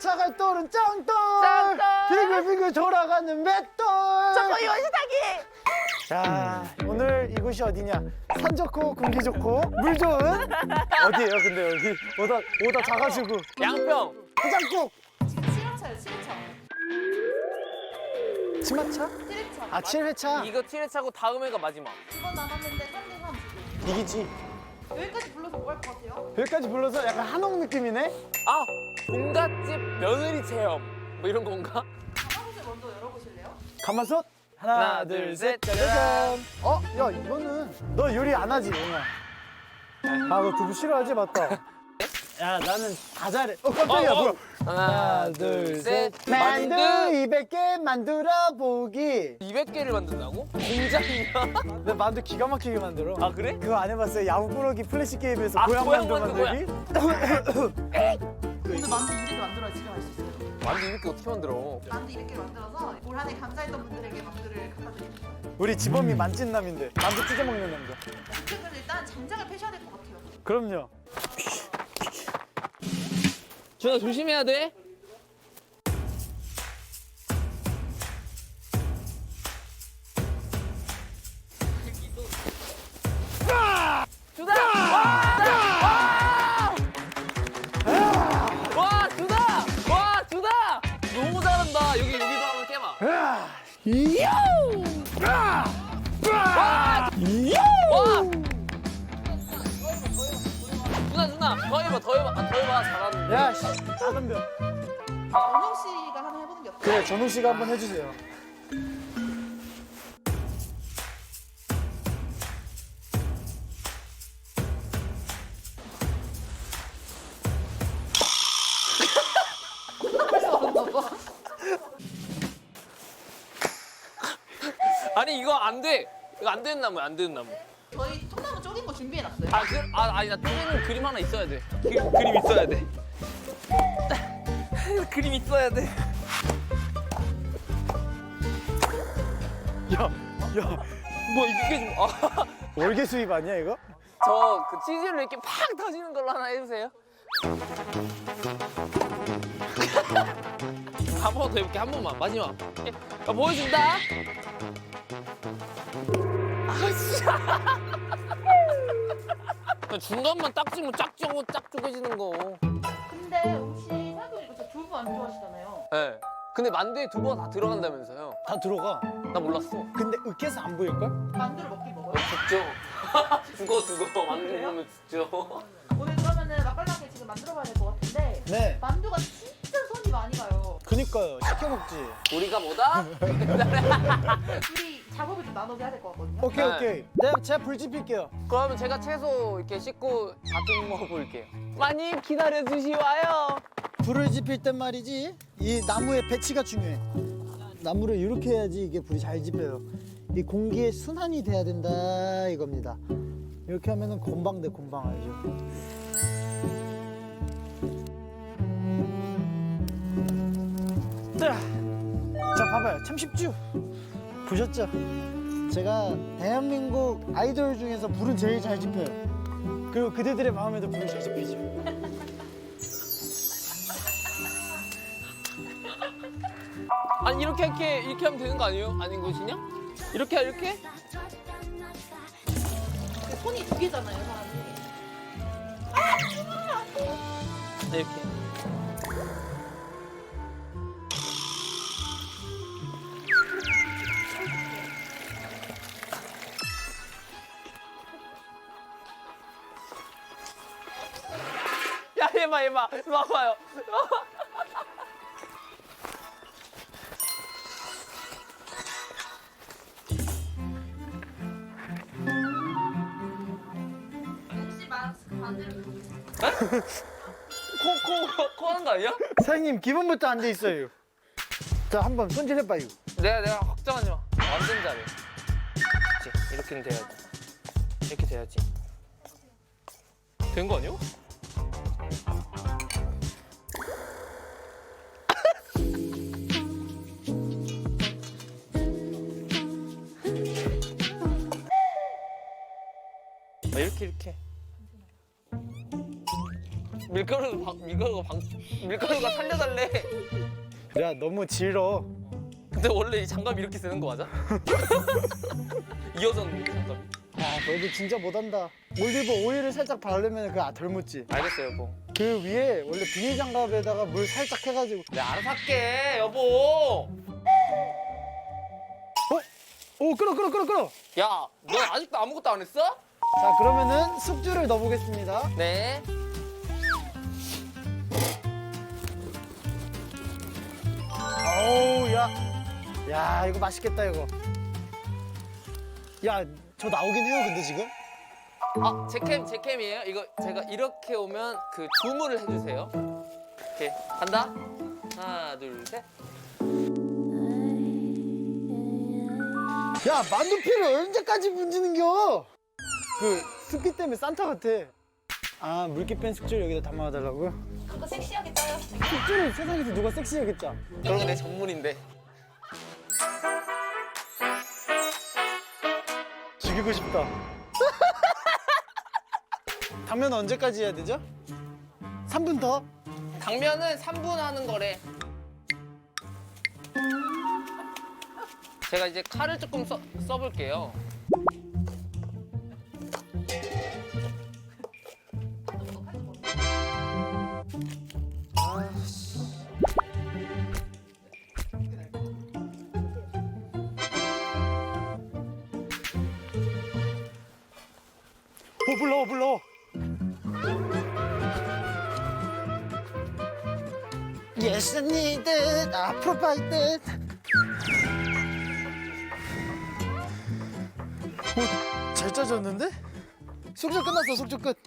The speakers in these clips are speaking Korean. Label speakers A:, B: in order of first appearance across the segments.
A: 사갈 돌은 짱돌
B: 짱돌.
A: 빙글빙글 돌아가는 맷돌.
B: 저거 요시다기.
A: 자, 오늘 이곳이 어디냐? 산 좋고 공기 좋고 물 좋은 어디예요? 근데 여기 오다 작아지고
B: 양평.
A: 해장국.
C: 지금 7회차예요, 7회차.
A: 치마차?
C: 7회차.
A: 아 7회차.
B: 이거 7회차고 다음 회가 마지막.
C: 2번 남았는데 3대3 지금.
A: 이기지.
C: 여기까지 불러서 뭐 할 것 같아요?
A: 여기까지 불러서 약간 한옥 느낌이네?
B: 아, 종갓집 며느리 체험. 뭐 이런 건가?
C: 가마솥을 먼저 열어보실래요?
A: 가마솥?
B: 하나, 둘, 셋, 짜잔.
A: 야 이거는 너 요리 안 하지 영아? 아 너 두부 싫어하지? 맞다. 야 나는 다 잘해. 깜짝이야 뭐야?
B: 하나,
A: 둘,
B: 셋.
A: 만두
B: 만두.
A: 200개 만들어 보기.
B: 200개를 만든다고? 공장이야?
A: 내 만두 기가 막히게 만들어.
B: 아, 그래?
A: 그거 안 해봤어요? 야구꾸러기 플래시 게임에서
B: 아,
A: 고양
B: 고양
A: 만두
B: 만두
A: 만들기?
C: 오늘 만두 200개 만들어야 집에 갈 수 있어요.
B: 만두 이렇게 어떻게 만들어?
C: 만두 200개 만들어서 올 한해 감사했던 분들에게 만두를 갖다 드리는 거예요.
A: 우리 지범이 만찢남인데 만두 찢어 먹는 남자.
C: 지금은 일단 장작을 펴셔야 될 것 같아요.
A: 그럼요.
B: 준아 조심해야 돼. 준아! 와, 준아! 와, 준아! 너무 잘한다. 여기도 한번 깨봐. 와! 준아, 더 해봐, 더 해봐. 아, 더 해봐. 잘하는데.
A: 야, 씨, 작은 별.
C: 원영 씨가 하나 해보는 게 어때요?
A: 그래, 전웅 씨가 한번 해주세요.
B: 아니, 이거 안 돼. 이거 안 되는 나무야, 안 되는 나무.
C: 저희 통나무 쪼갠 거 준비해놨어요.
B: 아니, 나 쪼개는 그림 하나 있어야 돼. 그림 있어야 돼. 그림 있어야 돼.
A: 야,
B: 뭐 이게 좀
A: 월계 수입 아니야, 이거?
B: 저 그 치즈를 이렇게 팍 터지는 걸로 하나 해주세요. 한 번 더 해볼게. 한 번만 마지막. 야, 보여준다. 중간만 딱 찍으면 쫙 쪼개지는 거.
C: 근데 혹시 생각해보니까 저 두부 안 좋아하시잖아요.
B: 네. 근데 만두에 두부가 다 들어간다면서요?
A: 다 들어가.
B: 나 몰랐어.
A: 근데 으깨서 안 보일걸?
C: 만두를 먹긴 먹어요.
B: 죽죠. 죽어. 만두 먹으면 죽죠.
C: 오늘 그러면은 맛깔나게 지금 만들어봐야 될 것 같은데
A: 네.
C: 만두가 진짜 손이 많이 가요.
A: 그니까요. 시켜 먹지.
B: 우리가 뭐다?
C: 둘이 작업을 좀 나눠서 해야 될 것 같거든요.
A: 오케이,
B: 네.
A: 오케이. 제가 불 지필게요.
B: 그러면 제가 채소 이렇게 씻고 다 먹어볼게요. 많이 기다려주시와요.
A: 불을 지필 땐 말이지, 이 나무의 배치가 중요해. 나무를 이렇게 해야지 이게 불이 잘 지펴요. 이 공기의 순환이 돼야 된다 이겁니다. 이렇게 하면은 곰방 돼, 곰방 알죠? 자, 봐봐요. 참 쉽죠? 보셨죠? 제가 대한민국 아이돌 중에서 불은 제일 잘 지펴요. 그리고 그대들의 마음에도 불을 잘 지피죠.
B: 아니 이렇게 하면 되는 거 아니에요? 아닌 것이냐? 이렇게?
C: 손이 두 개잖아요, 사람이.
B: 이렇게. 야, 해봐. 이리 와봐요.
C: 혹시 마스크 반대로 들어보세요.
B: 코 하는 거 아니야?
A: 사장님 기분부터 안 돼 있어요. 자, 한번 손질해봐요.
B: 내가 걱정하지 마. 완전 잘해. 그치? 이렇게는 돼야지. 이렇게 돼야지. 된 거 아니야? 이렇게. 밀가루가 살려달래.
A: 야 너무 질어.
B: 근데 원래 이 장갑 이렇게 쓰는 거 맞아? 이어졌는데 장갑이.
A: 아 너도 진짜 못한다. 올리브 오일을 살짝 바르면 그거 덜 묻지.
B: 알겠어요 여보.
A: 그 위에 원래 비닐 장갑에다가 물 살짝 해가지고.
B: 내가 알아서 할게 여보.
A: 오 끓어.
B: 야 너 아직도 아무것도 안 했어?
A: 자 그러면은 숙주를 넣어보겠습니다.
B: 네.
A: 어우 야 이거 맛있겠다 이거. 야 저 나오긴 해요 근데 지금.
B: 아, 제 캠이에요? 이거 제가 이렇게 오면 그 줌을 해주세요. 오케이, 간다. 하나, 둘, 셋.
A: 야 만두피를 언제까지 문지는겨? 그 습기 때문에 산타 같아. 아 물기 뺀 숙주를 여기다 담아달라고요?
C: 그거 섹시하게 짜요.
A: 숙주를 세상에서 누가 섹시하게 짜?
B: 그런 거 내 전문인데.
A: 죽이고 싶다. 당면 언제까지 해야 되죠? 3분 더?
B: 당면은 3분 하는 거래. 제가 이제 칼을 조금 써볼게요.
A: 불러. Yes, I need it. I provide it. 오, 잘 짜졌는데? 숙주 끝났어, 숙주 끝.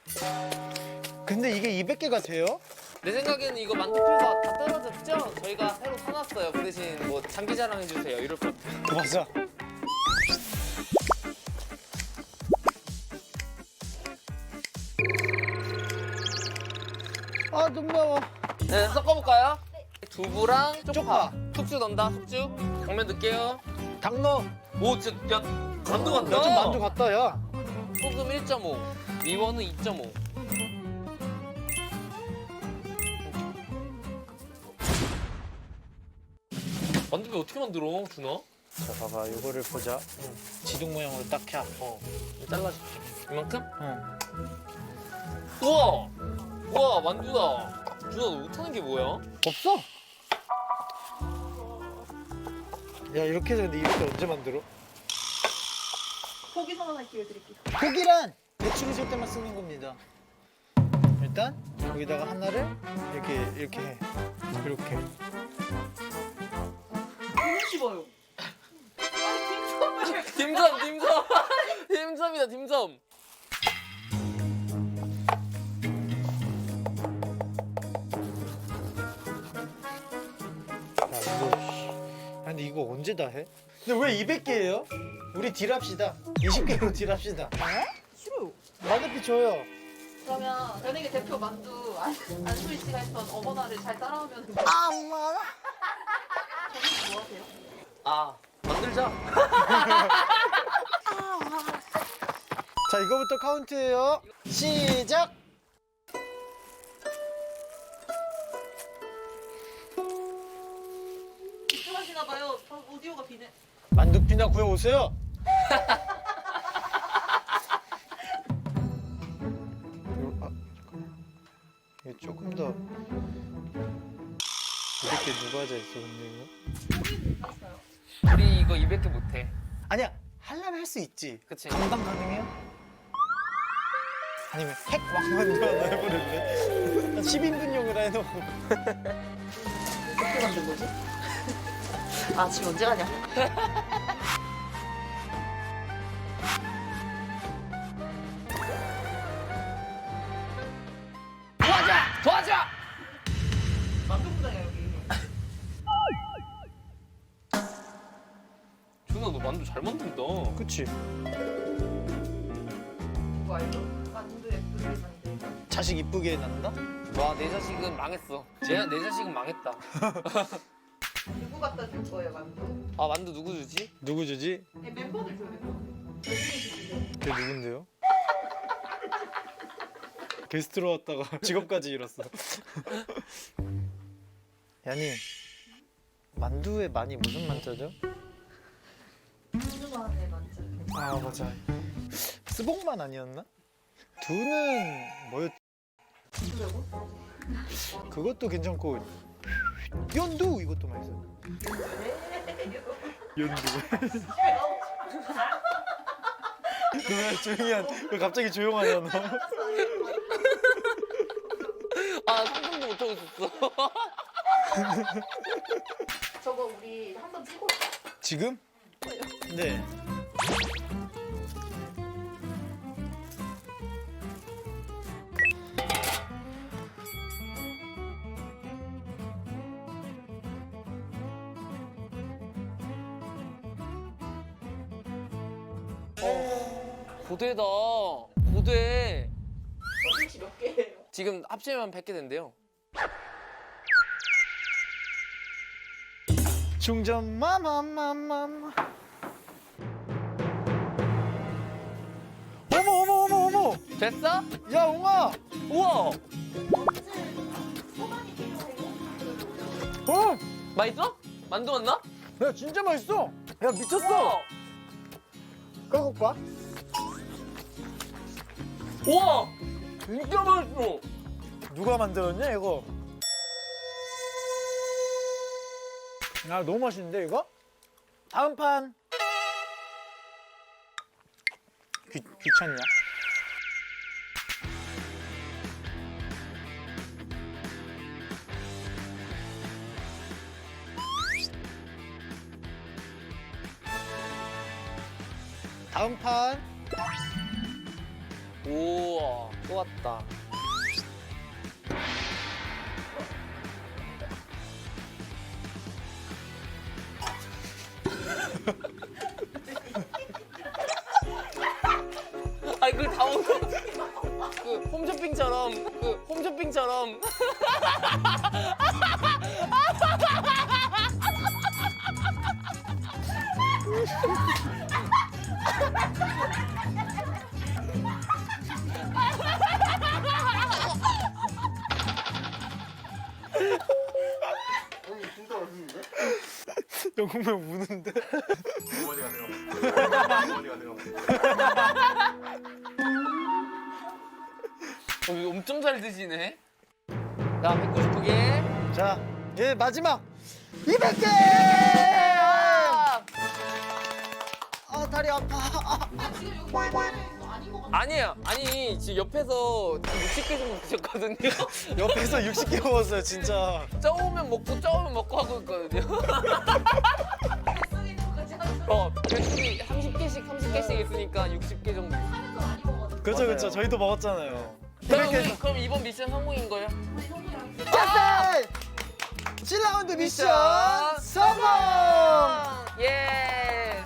A: 근데 이게 200개가 돼요?
B: 내 생각에는 이거 만두피가 다 떨어졌죠? 저희가 새로 사놨어요. 그 대신 뭐 장기 자랑 해주세요. 이럴 것 같아요.
A: 맞아. 아, 눈 매워.
B: 네, 섞어볼까요? 두부랑 쪽파.
A: 쪽파.
B: 숙주 넣는다, 숙주. 당면 넣을게요.
A: 당 넣어.
B: 오, 야, 만두 같다.
A: 야, 좀 만두 같다, 야.
B: 소금 1.5, 미원은 2.5. 만두피 어떻게 만들어, 준아?
A: 자, 봐봐. 이거를 보자. 지둥 모양으로 딱 해.
B: 잘라줄게. 이만큼?
A: 응.
B: 우와! 우와, 만두다. 준아, 너 못하는 게 뭐야?
A: 없어. 야, 이렇게 해서 근데 이렇게 언제 만들어?
C: 고기 선언할 기회 드릴게요.
A: 고기란 배추를 쓸 때만 쓰는 겁니다. 일단 여기다가 하나를 이렇게 해. 이렇게.
C: 너무 씹어요. 아니 김선을.
B: 딤섬이다, 딤섬.
A: 야, 이거. 근데 이거 언제 다 해? 근데 왜 200개예요? 우리 딜합시다. 20개로 딜합시다.
C: 싫어요.
A: 만두피 줘요.
C: 그러면 연예계 대표 만두 안수희 씨가 했던 어머나를 잘 따라오면
A: 엄마.
C: 저는 뭐 하세요?
B: 아, 만들자.
A: 자, 이거부터 카운트예요. 시작.
C: 집중하시나 봐요. 오디오가 비네.
A: 만두피나 구해 오세요. 이게 조금 더 이렇게 누가 하자 했어 근데 이거?
C: 했어요.
B: 우리 이거 200개 못해.
A: 아니야 하려면 할 수 있지.
B: 그치?
A: 감당 가능해요? 아니면 핵 왕만두 하나 해버렸네. 10인분용으로 해놓고.
C: 어떻게 만든 거지? 아 지금 언제 가냐?
B: 도와줘!
C: 만두국장이야 여기.
B: 준아, 너 만두 잘 만든다.
A: 그치?
C: 그거 알죠? 만두 예쁘게 만들고.
A: 자식 이쁘게 난다?
B: 와, 내 자식은 망했어. 내 자식은 망했다.
C: 누구 갖다 줄 거예요 만두?
B: 아, 만두 누구 주지?
A: 누구 주지?
C: 네, 멤버들 줘야 될 것 같아요. 열심히 주세요.
A: 걔 누군데요? 게스트로 왔다가 직업까지 잃었어. 야니, 만두에 많이 무슨 만자죠?
C: 만두만의 만두.
A: 아 맞아. 스봉만 아니었나? 두는 뭐였지?
C: 누구라고?
A: 그것도 괜찮고 연두 이것도 맛있어. 연두. 너왜 조용히 왜 갑자기 조용하냐 너?
B: 아 상상도 못하고 있었어.
C: 저거 우리 한번 찍어 올까?
A: 지금? 네.
B: 고대다. 고대.
C: 혹시 몇 개예요?
B: 지금 합치면 100개 된대요.
A: 충전 마마마마마. 어머 어머 어머 어머.
B: 됐어?
A: 야 옹아.
B: 우와.
C: 소만이 필요해요?
A: 어.
B: 맛있어? 만두 맞나?
A: 야 진짜 맛있어. 야 미쳤어. 꺼볼까?
B: 우와. 진짜 맛있어.
A: 누가 만들었냐 이거? 아 너무 맛있는데 이거? 다음 판. 귀찮냐? 다음 판.
B: 우와. 또 왔다. 아니 그걸 다 먹어. 그 홈쇼핑처럼 그 홈쇼핑처럼.
A: 영국면 우는데?
D: 어머니가 돼요. 어머니가 돼요.
B: 엄청 잘 드시네. 자, 199개.
A: 자, 예 마지막 200개! 아 다리 아파.
C: 지금 여기 뭐 아닌 것 같아.
B: 아니에요. 아니 지금 옆에서 60개 정도 드셨거든요.
A: 옆에서 60개 먹었어요 진짜.
B: 저으면 먹고 하고 있거든요.
C: 뱃속에 있는 거지 하면서
B: 배속이 30개씩 있으니까 60개 정도.
C: 하면서 많이 먹었어.
A: 그렇죠
B: 맞아요.
A: 그렇죠. 저희도 먹었잖아요.
B: 그럼
A: 200개.
B: 우리 그럼 이번 미션 성공인 거예요?
C: 우리 형이랑
A: 자, 7라운드 미션 성공!
B: 예.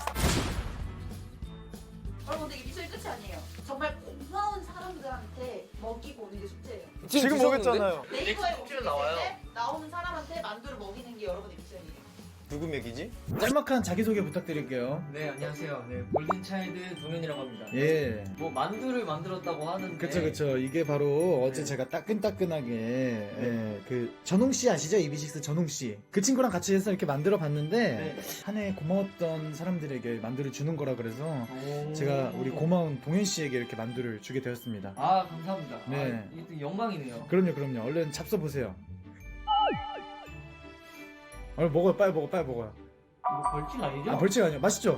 C: 여러분 근데 이게 미션이 끝이 아니에요. 정말 고마운 사람들한테 먹이고 오는 게 숙제예요.
A: 지금
B: 드셨는데?
A: 먹였잖아요.
C: 네이버에
B: 숙제로
C: 오실
B: 나와요.
C: 때 나오는 사람한테 만두를 먹이는 게 여러분의 미션이에요.
A: 누구 맥이지? 짤막한 자기소개 부탁드릴게요.
E: 네 안녕하세요. 네 골든차일드 동현이라고 합니다.
A: 예.
E: 뭐 만두를 만들었다고 하는데.
A: 그쵸. 이게 바로 어제
E: 네.
A: 제가 따끈따끈하게 예, 그 전홍 씨 아시죠? 이비식스 전홍 씨. 그 친구랑 같이 해서 이렇게 만들어 봤는데
E: 네.
A: 한 해 고마웠던 사람들에게 만두를 주는 거라 그래서
E: 오.
A: 제가 우리 고마운 동현 씨에게 이렇게 만두를 주게 되었습니다.
E: 아 감사합니다.
A: 네.
E: 아, 이게 영광이네요.
A: 그럼요. 얼른 잡숴 보세요. 얼른 먹어요. 빨리 먹어요.
E: 이거 벌칙 아니죠?
A: 아 벌칙 아니야. 맛있죠?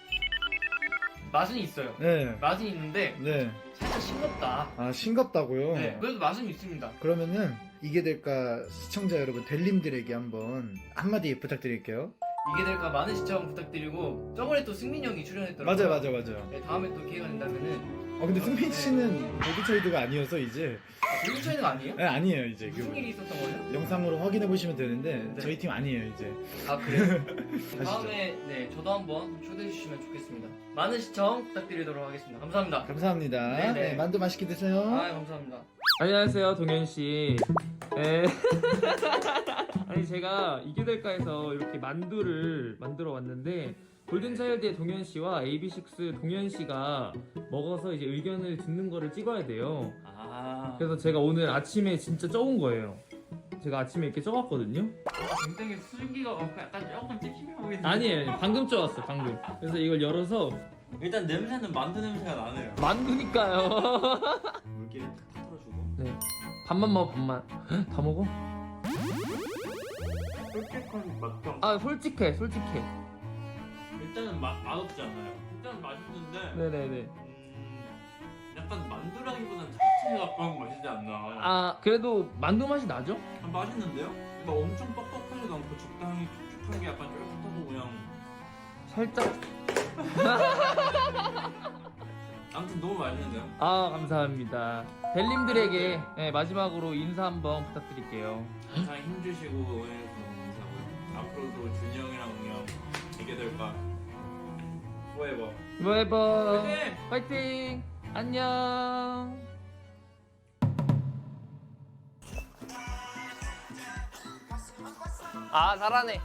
E: 맛은 있어요.
A: 네.
E: 맛은 있는데
A: 네.
E: 살짝 싱겁다.
A: 아 싱겁다고요?
E: 네. 그래도 맛은 있습니다.
A: 그러면은 이게 될까 시청자 여러분 델님들에게 한번 한마디 부탁드릴게요.
E: 이게 될까 많은 시청 부탁드리고 저번에 또 승민 형이 출연했더라고요.
A: 맞아요.
E: 네, 다음에 또 기회가 된다면은
A: 근데 승민 씨는 보드차이드가 아니어서 이제
E: 골든차일드 아니에요?
A: 네, 아니에요 이제
E: 무슨 일이 있었던 거예요?
A: 영상으로 확인해 보시면 되는데
E: 네.
A: 저희 팀 아니에요 이제.
E: 아 그래요? 다음에 네 저도 한번 초대해 주시면 좋겠습니다. 많은 시청 부탁드리도록 하겠습니다. 감사합니다.
A: 감사합니다.
E: 네네.
A: 네, 만두 맛있게 드세요.
E: 아 감사합니다.
F: 안녕하세요, 동현 씨. 네. 아니 제가 이게 될까해서 이렇게 만두를 만들어 왔는데 골든차일드의 동현 씨와 AB6 동현 씨가 먹어서 이제 의견을 듣는 거를 찍어야 돼요.
E: 아
F: 그래서 제가 오늘 아침에 진짜 쪄온 거예요. 제가 아침에 이렇게 쪄왔거든요.
E: 굉장히 수증기가 약간 조금 찝찝해 보이는데.
F: 아니에요, 방금 쪄왔어, 방금. 그래서 이걸 열어서
E: 일단 냄새는 만두 냄새가 나네요.
F: 만두니까요.
D: 물기를 다 털어주고.
F: 네, 반만 먹어, 반만. 헉, 다 먹어?
E: 솔직한 맛도.
F: 아, 솔직해, 솔직해.
E: 일단은 맛없지 않아요. 일단 맛있는데.
F: 네네네.
E: 약간 만두라기보단 잡채에 가까운 맛이지 않나.
F: 아, 그래도 만두 맛이 나죠?
E: 맛있는데요? 막 엄청 뻑뻑하지도 않고 적당히 촉촉한 게 약간 쫄깃하고 그냥.
F: 살짝.
E: 아무튼 너무 맛있는데요?
F: 아, 감사합니다. 벨님들에게 네, 마지막으로 인사 한번 부탁드릴게요.
E: 항상 힘주시고 응원해주셔서 너무 감사하고요. 앞으로도 준이 형이랑 그냥 이게 될까? 포에버.
F: 뭐해봐.
E: 화이팅!
F: 파이팅! 안녕.
B: 아 잘하네.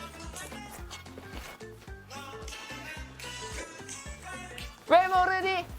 B: 왜 모르니?